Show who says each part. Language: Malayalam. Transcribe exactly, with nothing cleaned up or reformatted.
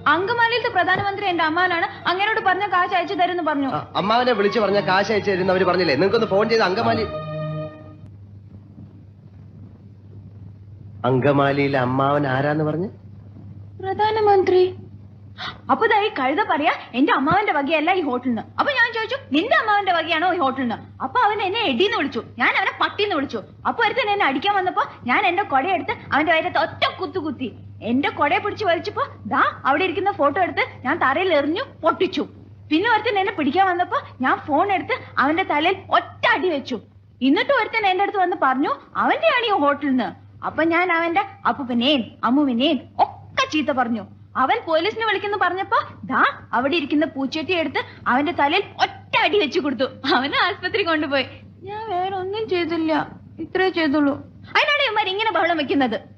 Speaker 1: അങ്കമാലിയിലത്തെ പ്രധാനമന്ത്രി എന്റെ അമ്മാവനാണ്, അങ്ങനോട് പറഞ്ഞ കാശ് അയച്ചു തരുമെന്ന് പറഞ്ഞു.
Speaker 2: അമ്മാവനെ വിളിച്ചു പറഞ്ഞ കാശ് അയച്ചു തരുന്നവര് പറഞ്ഞില്ലേ? നിങ്ങൾക്കൊന്ന് ഫോൺ ചെയ്ത് അങ്കമാലി അങ്കമാലിയിലെ അമ്മാവൻ ആരാന്ന് പറഞ്ഞു?
Speaker 1: പ്രധാനമന്ത്രി. അപ്പൊ ഈ കഴുത പറയാ എന്റെ അമ്മാവന്റെ വകയല്ല ഈ ഹോട്ടലിന്. അപ്പൊ ഞാൻ ചോദിച്ചു നിന്റെ അമ്മാവന്റെ വകയാണോ ഈ ഹോട്ടലിന്? അപ്പൊ അവൻ എന്നെ എടീന്ന് വിളിച്ചു, ഞാൻ അവനെ പട്ടിന്ന് വിളിച്ചു. അപ്പൊ ഒരുത്തൻ എന്നെ അടിക്കാൻ വന്നപ്പോ ഞാൻ എന്റെ കൊടയെടുത്ത് അവന്റെ വയറത്ത് ഒറ്റ കുത്തു കുത്തി. എന്റെ കൊടയെ പിടിച്ച് വലിച്ചപ്പോ ദാ അവിടെ ഇരിക്കുന്ന ഫോട്ടോ എടുത്ത് ഞാൻ തറയിൽ എറിഞ്ഞു പൊട്ടിച്ചു. പിന്നെ ഒരുത്തൻ എന്നെ പിടിക്കാൻ വന്നപ്പോ ഞാൻ ഫോൺ എടുത്ത് അവന്റെ തലയിൽ ഒറ്റ അടി വെച്ചു. എന്നിട്ട് ഒരുത്തൻ എന്റെ അടുത്ത് വന്ന് പറഞ്ഞു അവന്റെയാണ് ഈ ഹോട്ടലിന്. അപ്പൊ ഞാൻ അവന്റെ അപ്പൂപ്പനെയും അമ്മുവിനെയും ഒക്കെ ചീത്ത പറഞ്ഞു. അവൻ പോലീസിനെ വിളിക്കുന്നു പറഞ്ഞപ്പോ ദാ അവിടെ ഇരിക്കുന്ന പൂച്ചട്ടി എടുത്ത് അവന്റെ തലയിൽ ഒറ്റ അടി വെച്ചു കൊടുത്തു. അവനെ ആശുപത്രി കൊണ്ടുപോയി. ഞാൻ വേറെ ഒന്നും ചെയ്തില്ല, ഇത്രേ ചെയ്തുള്ളൂ. അതിനാണ് ഇവന്മാർ ഇങ്ങനെ ബഹളം വെക്കുന്നത്.